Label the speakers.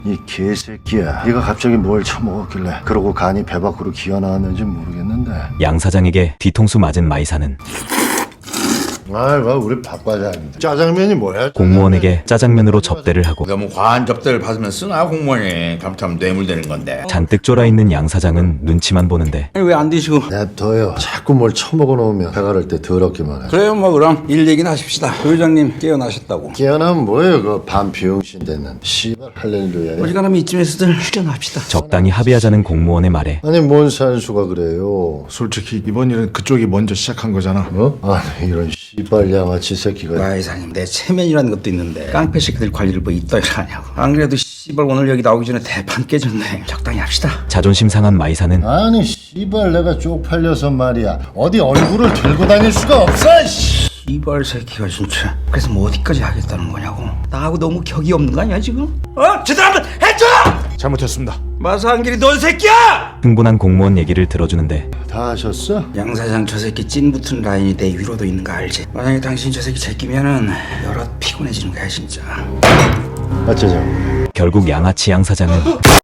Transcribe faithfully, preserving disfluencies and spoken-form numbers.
Speaker 1: 이 개새끼야. 네가 갑자기 뭘 처먹었길래 그러고 간이 배 밖으로 기어나왔는지 모르겠는데.
Speaker 2: 양 사장에게 뒤통수 맞은 마이사는
Speaker 1: 아이, 봐, 우리 밥과장인데. 짜장면이 뭐야?
Speaker 2: 공무원에게 짜장면으로 접대를 하고
Speaker 3: 너무 과한 접대를 받으면 쓰나 공무원이. 잘못하면 뇌물되는 건데.
Speaker 2: 잔뜩 쫄아있는 양 사장은 눈치만 보는데
Speaker 4: 왜 안 드시고?
Speaker 1: 냅둬요. 자꾸 뭘 처먹어 놓으면 배가 를 때 더럽기만 해.
Speaker 4: 그래요, 뭐 그럼 일 얘기는 하십시다. 그 회장님 깨어나셨다고.
Speaker 1: 깨어나면 뭐예요? 그 반비용신 됐는 씨발 할렐루야.
Speaker 4: 어지간하면 이쯤에서들 휴전합시다.
Speaker 2: 적당히 합의하자는 공무원의 말에
Speaker 1: 아니 뭔 산수가 그래요?
Speaker 5: 솔직히 이번 일은 그쪽이 먼저 시작한 거잖아.
Speaker 1: 어? 아니 이런 씨발 양아치 새끼가.
Speaker 4: 마 이사님, 내 체면이라는 것도 있는데 깡패 새끼들 관리를 뭐 이따위로 하냐고. 안 그래도 씨발 오늘 여기 나오기 전에 대판 깨졌네. 적당히 합시다.
Speaker 2: 자존심 상한 마이사는
Speaker 1: 아니 씨발 내가 쪽팔려서 말이야. 어디 얼굴을 들고 다닐 수가 없어. 씨.
Speaker 4: 이발 새끼가 진짜. 그래서 뭐 어디까지 하겠다는 거냐고. 나하고 너무 격이 없는 거 아니야 지금? 어? 제대로 한번 해줘!
Speaker 5: 잘못했습니다.
Speaker 4: 마사한길이 넌 새끼야!
Speaker 2: 흥분한 공무원 얘기를 들어주는데
Speaker 1: 다 하셨어?
Speaker 4: 양 사장 저 새끼 찐 붙은 라인이 내 위로도 있는 거 알지? 만약에 당신 저 새끼 제끼면은 여럿 피곤해지는 거야 진짜.
Speaker 1: 어쩌자고.
Speaker 2: 결국 양아치 양 사장은